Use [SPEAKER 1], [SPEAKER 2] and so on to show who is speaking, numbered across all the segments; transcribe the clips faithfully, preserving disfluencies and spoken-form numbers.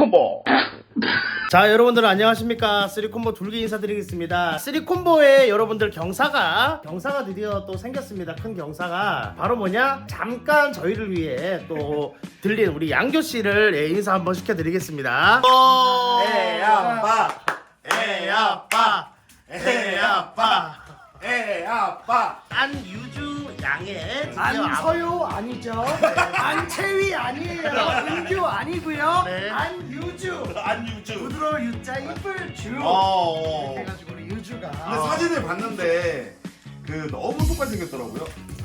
[SPEAKER 1] 쓰리콤보. 자, 여러분들 안녕하십니까. 쓰리콤보 둘기 인사드리겠습니다. 쓰리콤보에 여러분들 경사가 경사가 드디어 또 생겼습니다. 큰 경사가 바로 뭐냐, 잠깐 저희를 위해 또 들린 우리 양교씨를 예, 인사 한번 시켜드리겠습니다.
[SPEAKER 2] 에이 아빠,
[SPEAKER 1] 에이 아빠, 에이 아빠,
[SPEAKER 2] 에이 아빠.
[SPEAKER 1] 안유주 양의 드디어
[SPEAKER 3] 안서요 아니죠? 안채위 아니에요. 은규 아니고요.
[SPEAKER 1] 네.
[SPEAKER 3] 안유주.
[SPEAKER 2] 안유주.
[SPEAKER 3] 부드러운 유자 이쁠 주.
[SPEAKER 2] 어.
[SPEAKER 3] 이렇게 해가지고 우리 유주가.
[SPEAKER 2] 근데 사진을 봤는데 그 너무 똑같이 생겼더라고요.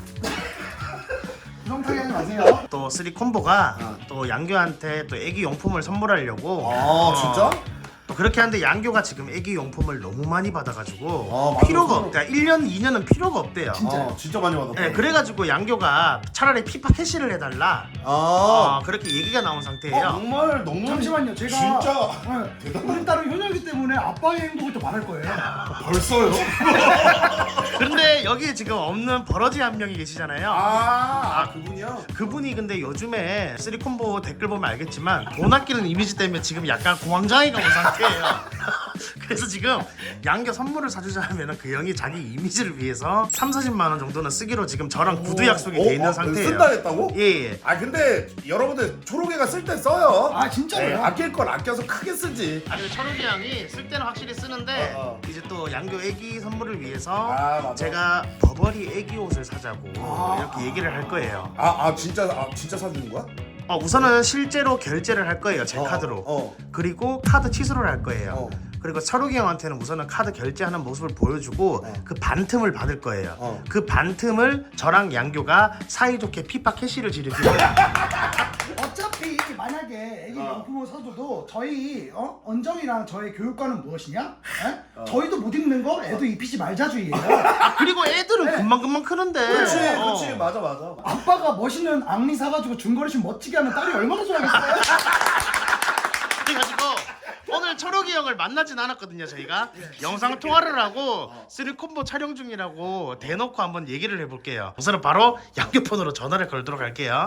[SPEAKER 3] 부정타게 하지 마세요.
[SPEAKER 1] 또 쓰리콤보가
[SPEAKER 2] 어.
[SPEAKER 1] 또 양교한테 또 애기 용품을 선물하려고
[SPEAKER 2] 아
[SPEAKER 1] 어,
[SPEAKER 2] 진짜?
[SPEAKER 1] 또 그렇게 하는데 양교가 지금 애기 용품을 너무 많이 받아가지고
[SPEAKER 2] 아, 맞아.
[SPEAKER 1] 필요가
[SPEAKER 2] 서로-
[SPEAKER 1] 없대. 일 년, 이 년은 필요가 없대요.
[SPEAKER 3] 진짜요?
[SPEAKER 2] 어, 진짜 많이 받았다.
[SPEAKER 1] 네, 그래가지고 양교가 차라리 피파 캐시를 해달라.
[SPEAKER 2] 아.
[SPEAKER 1] 어, 그렇게 얘기가 나온
[SPEAKER 2] 어,
[SPEAKER 1] 상태예요.
[SPEAKER 2] 정말 너무
[SPEAKER 3] 잠시만요. 제가
[SPEAKER 2] 진짜
[SPEAKER 3] 네,
[SPEAKER 2] 대단하다.
[SPEAKER 3] 우리 딸은 효녀이기 때문에 아빠의 행동을 또 말할 거예요.
[SPEAKER 2] 벌써요?
[SPEAKER 1] 근데 여기에 지금 없는 버러지 한 명이 계시잖아요.
[SPEAKER 2] 아, 아 그분이요?
[SPEAKER 1] 그분이 근데 요즘에 쓰리콤보 댓글 보면 알겠지만 돈 아끼는 이미지 때문에 지금 약간 공황장애가 온 상태예요. 그래서 지금 양교 선물을 사주자 하면 그 형이 자기 이미지를 위해서 삼, 사십만 원 정도는 쓰기로 지금 저랑 구두 약속이 돼 있는
[SPEAKER 2] 어, 어,
[SPEAKER 1] 상태예요.
[SPEAKER 2] 쓴다 했다고?
[SPEAKER 1] 예, 예.
[SPEAKER 2] 아 근데 여러분들 초록이가 쓸 때 써요.
[SPEAKER 3] 아, 진짜로요?
[SPEAKER 2] 네, 아낄 걸 아껴서 크게 쓰지.
[SPEAKER 1] 아, 그리고 철욱이 형이 쓸 때는 확실히 쓰는데
[SPEAKER 2] 어, 어.
[SPEAKER 1] 이제 또 양교 애기 선물을 위해서
[SPEAKER 2] 아, 맞아.
[SPEAKER 1] 제가 버버리 애기 옷을 사자고
[SPEAKER 3] 아.
[SPEAKER 1] 이렇게 얘기를 할 거예요.
[SPEAKER 2] 아, 아 진짜 아 진짜 사주는 거야?
[SPEAKER 1] 어, 우선은 실제로 결제를 할 거예요, 제
[SPEAKER 2] 어,
[SPEAKER 1] 카드로.
[SPEAKER 2] 어.
[SPEAKER 1] 그리고 카드 취소를 할 거예요.
[SPEAKER 2] 어.
[SPEAKER 1] 그리고 철욱이 형한테는 우선은 카드 결제하는 모습을 보여주고
[SPEAKER 2] 어.
[SPEAKER 1] 그 반틈을 받을 거예요.
[SPEAKER 2] 어.
[SPEAKER 1] 그 반틈을 저랑 양교가 사이좋게 피파 캐시를 지르기로.
[SPEAKER 3] 어차피 만약에 애기
[SPEAKER 2] 어.
[SPEAKER 3] 용품을 사줘도 저희 어? 언정이랑 저의 교육과는 무엇이냐? 에?
[SPEAKER 2] 어.
[SPEAKER 3] 저희도 못 입는 거 애도 입히지 말자주의예요.
[SPEAKER 1] 그리고 애들은
[SPEAKER 3] 네.
[SPEAKER 1] 금방금방 크는데.
[SPEAKER 2] 그렇지,
[SPEAKER 1] 어.
[SPEAKER 2] 그렇지, 맞아, 맞아.
[SPEAKER 3] 아빠가 멋있는 앙리 사가지고 중거리 슛 멋지게 하면 딸이 얼마나 좋아하겠어요?
[SPEAKER 1] 그래가지고 오늘 철욱이 형을 만나진 않았거든요. 저희가 영상 통화를 하고 쓰리콤보 촬영 중이라고 대놓고 한번 얘기를 해볼게요. 우선은 바로 양교폰으로 전화를 걸도록 할게요.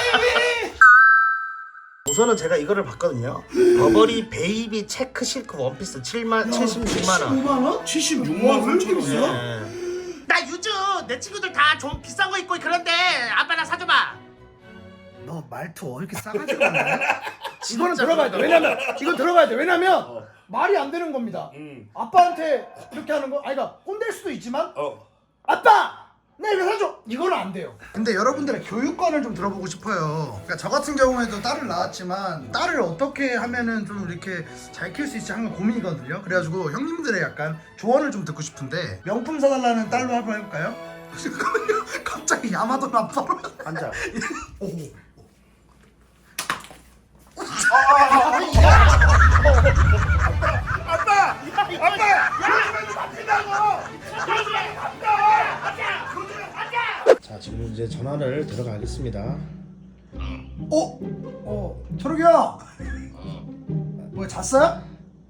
[SPEAKER 1] 우선은 제가 이거를 봤거든요. 버버리 베이비 체크 실크 원피스 칠만 칠십육만 원.
[SPEAKER 3] 칠십오만 원? 칠십육만 원? 왜 이렇게 비싸?
[SPEAKER 1] 네. 나 유주 내 친구들 다 좀 비싼 거 입고 그런데 아빠 나 사줘봐.
[SPEAKER 3] 너 말투 왜 이렇게 싸가지고 하냐? 이거는
[SPEAKER 1] 진짜
[SPEAKER 3] 들어가야 돼.
[SPEAKER 1] 그러다.
[SPEAKER 3] 왜냐면 이건 들어가야 돼. 왜냐면
[SPEAKER 2] 어.
[SPEAKER 3] 말이 안 되는 겁니다.
[SPEAKER 2] 음.
[SPEAKER 3] 아빠한테 이렇게 하는 거, 아니 그러니까 혼낼 수도 있지만
[SPEAKER 2] 어.
[SPEAKER 3] 아빠! 내 이거 사줘! 이거는 안 돼요. 근데 여러분들의 교육관을 좀 들어보고 싶어요. 그러니까 저 같은 경우에도 딸을 낳았지만 딸을 어떻게 하면은 좀 이렇게 잘 키울 수 있을지 항상 고민이거든요. 그래가지고 형님들의 약간 조언을 좀 듣고 싶은데 명품 사달라는 딸로 한번 해볼까요? 잠깐만요. 갑자기 야마도 아빠로
[SPEAKER 2] 앉아.
[SPEAKER 3] 오.
[SPEAKER 2] 아빠! 아빠! 요즘에도 바뀐다고!
[SPEAKER 1] 자, 지금 이제 전화를 들어가겠습니다.
[SPEAKER 3] 어? 어, 철욱이 형! 뭐 잤어요?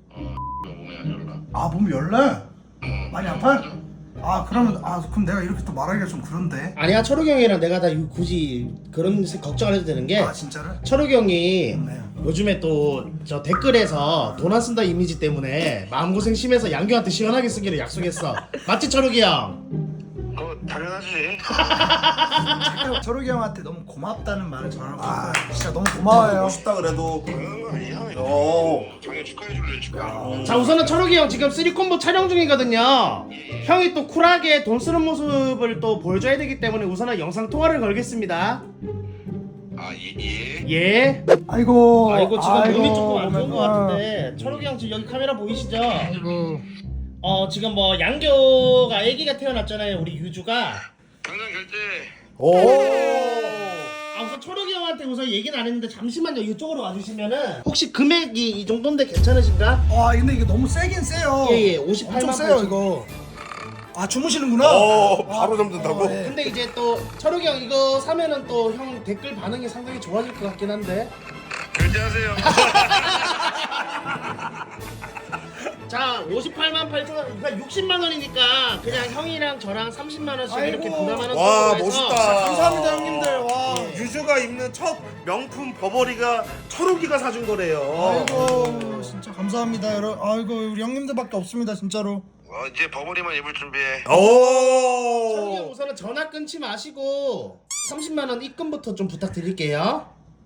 [SPEAKER 3] 아, 몸이 열래? 많이 아파요? 아, 그러면, 아, 그럼 내가 이렇게 또 말하기가 좀 그런데.
[SPEAKER 1] 아니야, 철욱이 형이랑 내가 다 굳이 그런 걱정 안 해도 되는 게
[SPEAKER 3] 아, 진짜로?
[SPEAKER 1] 철욱이 형이
[SPEAKER 3] 네.
[SPEAKER 1] 요즘에 또 저 댓글에서 돈 안 쓴다 이미지 때문에 마음고생 심해서 양교한테 시원하게 쓰기로 약속했어. 맞지, 철욱이 형?
[SPEAKER 4] 어, 당연하지.
[SPEAKER 3] 제가 철욱이 형한테 너무 고맙다는 말을 전하고 싶어요. 진짜 너무 고마워요.
[SPEAKER 2] 멋있다 그래도.
[SPEAKER 4] 당연한 거 아니야?
[SPEAKER 2] 어.
[SPEAKER 4] 당연히 축하해줄래, 축하.
[SPEAKER 1] 자, 우선은 철욱이 형 지금 쓰리콤보 촬영 중이거든요. 형이 또 쿨하게 돈 쓰는 모습을 또 보여줘야 되기 때문에 우선은 영상 통화를 걸겠습니다.
[SPEAKER 4] 아, 예, 예.
[SPEAKER 1] 예.
[SPEAKER 3] 아이고.
[SPEAKER 1] 아이고, 지금
[SPEAKER 3] 아이고,
[SPEAKER 1] 몸이 조금 안 좋은
[SPEAKER 3] 보면-
[SPEAKER 1] 것 같은데 철욱이 형 지금 여기 카메라 보이시죠?
[SPEAKER 3] 아이고.
[SPEAKER 1] 어, 지금 뭐 양교가 아기가 태어났잖아요, 우리 유주가.
[SPEAKER 4] 당장 결제.
[SPEAKER 2] 오.
[SPEAKER 1] 아, 우선 철욱이 형한테 우선 얘기는 안 했는데 잠시만요, 이쪽으로 와주시면은 혹시 금액이 이 정도인데 괜찮으신가?
[SPEAKER 3] 와, 근데 이게 너무 세긴 세요.
[SPEAKER 1] 예, 예, 오십팔만
[SPEAKER 3] 엄청 세요,
[SPEAKER 1] 팔천.
[SPEAKER 3] 이거. 아, 주무시는구나?
[SPEAKER 2] 어, 바로 잠든다고?
[SPEAKER 3] 어, 예.
[SPEAKER 1] 근데 이제 또 철욱이 형 이거 사면은 또 형 댓글 반응이 상당히 좋아질 것 같긴 한데.
[SPEAKER 4] 결제하세요.
[SPEAKER 1] 자, 오십팔만 팔천 원, 그러니까 육십만 원이니까 그냥 형이랑 저랑 삼십만 원씩 이렇게
[SPEAKER 3] 아이고.
[SPEAKER 1] 부담하는
[SPEAKER 2] 와,
[SPEAKER 1] 쪽으로 해서
[SPEAKER 2] 멋있다.
[SPEAKER 3] 감사합니다 형님들. 와.
[SPEAKER 2] 유주가 입는 첫 명품 버버리가 철욱이가 사준 거래요.
[SPEAKER 3] 아이고 진짜 감사합니다 여러분. 아이고 우리 형님들밖에 없습니다 진짜로.
[SPEAKER 4] 어, 이제 버버리만 입을 준비해.
[SPEAKER 1] 철욱이 형
[SPEAKER 2] 오.
[SPEAKER 1] 우선은 전화 끊지 마시고 삼십만 원 입금부터 좀 부탁드릴게요.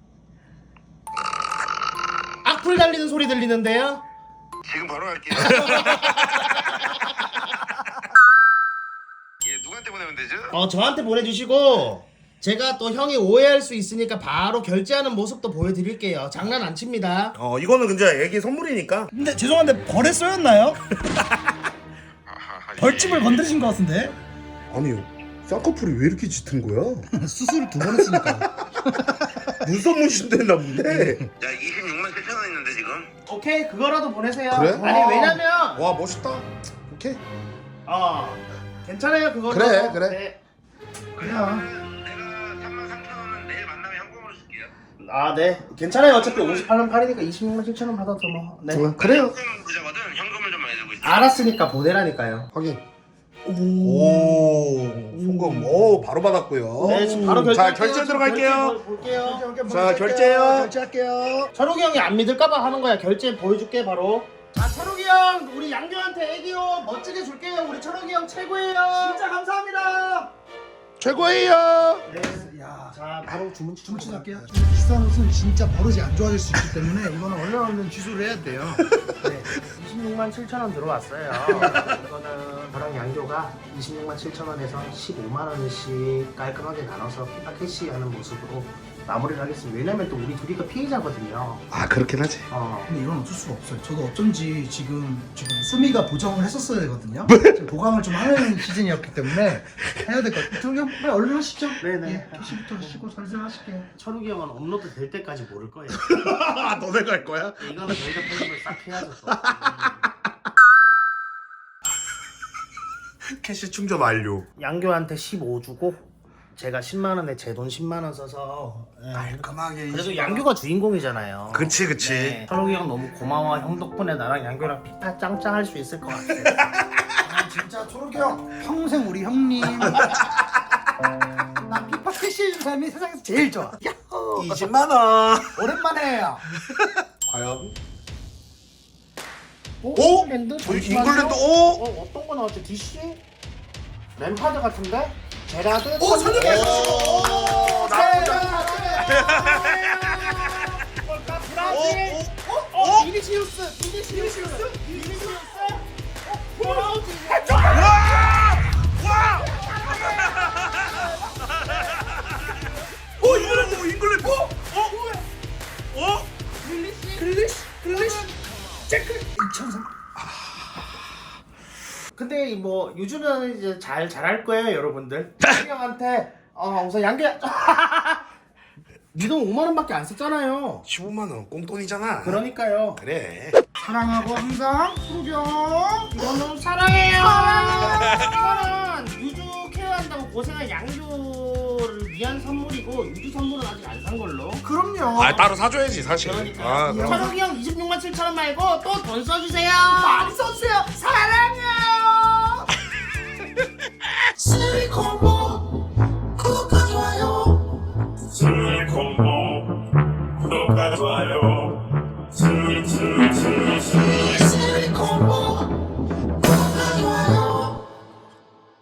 [SPEAKER 1] 악플 달리는 소리 들리는데요?
[SPEAKER 4] 지금 바로 갈게요. 예, 누구한테 보내면 되죠?
[SPEAKER 1] 어 저한테 보내주시고 제가 또 형이 오해할 수 있으니까 바로 결제하는 모습도 보여드릴게요. 장난 안 칩니다.
[SPEAKER 2] 어 이거는 근데 애기 선물이니까.
[SPEAKER 3] 근데 죄송한데 벌에 쏘였나요?
[SPEAKER 4] 아하,
[SPEAKER 3] 벌집을
[SPEAKER 4] 예.
[SPEAKER 3] 건드신 것 같은데?
[SPEAKER 2] 아니 쌍꺼풀이 왜 이렇게 짙은 거야?
[SPEAKER 3] 수술 두 번 했으니까.
[SPEAKER 2] 눈썹 문신됐나 본데.
[SPEAKER 4] 야, 이십육만 칠천 원 있는데 지금?
[SPEAKER 1] 오케이 그거라도 보내세요.
[SPEAKER 2] 그래?
[SPEAKER 1] 아니 왜냐면
[SPEAKER 2] 와 멋있다. 오케이.
[SPEAKER 1] 어 괜찮아요 그거도.
[SPEAKER 2] 그래, 그래.
[SPEAKER 1] 네.
[SPEAKER 3] 그냥
[SPEAKER 4] 내가 삼만 삼천 원은 내일 만나면 현금으로 줄게요.
[SPEAKER 1] 아 네 괜찮아요. 어차피 오십팔만 팔이니까 이십육만 칠천 원 받아도 뭐. 네.
[SPEAKER 2] 그래요.
[SPEAKER 4] 현금 부자거든. 현금을 좀 많이 들고 있어.
[SPEAKER 1] 알았으니까 보내라니까요.
[SPEAKER 2] 확인. 오, 송금. 오, 바로 받았고요.
[SPEAKER 1] 네 지금 바로 결제.
[SPEAKER 2] 자, 결제 들어갈게요.
[SPEAKER 1] 볼게요.
[SPEAKER 2] 자, 결제요.
[SPEAKER 3] 결제할게요.
[SPEAKER 1] 철욱이 형이 안 믿을까봐 하는 거야. 결제 보여줄게 바로. 자 철욱이 형 우리 양규한테 애기옷 멋지게 줄게요. 우리 철욱이 형 최고예요.
[SPEAKER 3] 진짜 감사합니다.
[SPEAKER 2] 최고예요.
[SPEAKER 3] 네, 야,
[SPEAKER 1] 자 바로 주문
[SPEAKER 3] 주문 취소할게요. 비싼 옷은 진짜 버릇이 안 좋아질 수 있기 때문에 이거는 얼른 얼른 취소를 해야 돼요.
[SPEAKER 1] 네, 이십육만 칠천 원 들어왔어요. 이거는 저랑 양교가 이십육만 칠천 원에서 십오만 원씩 깔끔하게 나눠서 피파 캐시하는 모습으로 마무리를 하겠습니다. 왜냐면 또 우리 둘이가 피해자거든요.
[SPEAKER 2] 아, 그렇긴 하지.
[SPEAKER 1] 어.
[SPEAKER 3] 근데 이건 어쩔 수가 없어요. 저도 어쩐지 지금 지금 수미가 보정을 했었어야 되거든요. 지금 보강을 좀 하는 시즌이었기 때문에 해야 될 것 같아요. 저기 형 빨리 얼른 하시죠.
[SPEAKER 1] 네네.
[SPEAKER 3] 예, 캐시부터 하시고 설설 하실게요.
[SPEAKER 1] 철욱이 형은 업로드 될 때까지 모를 거예요.
[SPEAKER 2] 아, 너네 갈 거야?
[SPEAKER 1] 이거는 저희가 편집을 싹 해야죠. 또.
[SPEAKER 2] 캐시 충전 완료.
[SPEAKER 1] 양교한테 십오 주고 제가 십만 원에 제 돈 십만 원 써서 예.
[SPEAKER 3] 깔끔하게.
[SPEAKER 1] 그래도 양교가 주인공이잖아요.
[SPEAKER 2] 그치, 그치.
[SPEAKER 1] 네. 철욱이 형 너무 고마워. 형 덕분에 나랑 양교랑 피파 짱짱 할 수 있을 것 같아.
[SPEAKER 3] 아, 진짜 초록이 형 평생 우리 형님. 나 피파 캐시 해준 사람이 세상에서 제일 좋아. 야호.
[SPEAKER 2] 이십만 원.
[SPEAKER 3] 오랜만에 해요.
[SPEAKER 2] 과연?
[SPEAKER 1] 오?
[SPEAKER 2] 오?
[SPEAKER 1] 잉글랜드?
[SPEAKER 2] 저희
[SPEAKER 1] 잠시만요.
[SPEAKER 2] 잉글랜드, 오?
[SPEAKER 1] 어, 어떤 거 나왔지? 디씨? 램파드 같은데? 제라드?
[SPEAKER 3] 오, 선영해.
[SPEAKER 2] 오, 나쁘지 않아.
[SPEAKER 1] 브라질? 어? 어? 비니시우스! 비니시우스! 비니시우스? 어? 브라질!
[SPEAKER 2] 와! 오, 잉글랜드, 잉글랜드. 어? 어?
[SPEAKER 1] 글리시?
[SPEAKER 3] 글리시 글리시 체크 이천삼.
[SPEAKER 1] 근데 뭐 유주는 이제 잘 잘할 거예요 여러분들. 철이 형한테 어 우선 양계 니돈 오만 원밖에 안 썼잖아요.
[SPEAKER 2] 십오만 원 꽁돈이잖아.
[SPEAKER 1] 그러니까요.
[SPEAKER 2] 그래.
[SPEAKER 3] 사랑하고 항상 초록이 형.
[SPEAKER 1] 이거는 사랑해요. 이거는 유주 케어한다고 고생한 양주를 위한 선물이고 유주 선물은 아직 안 산 걸로.
[SPEAKER 3] 그럼요.
[SPEAKER 2] 아, 따로 사줘야지, 사실.
[SPEAKER 1] 그러니까
[SPEAKER 2] 아, 그럼.
[SPEAKER 1] 철욱이 형 이십육만 칠천 원 말고 또 돈 써주세요.
[SPEAKER 3] 많이 써주세요. 사랑해요.
[SPEAKER 1] 실리콘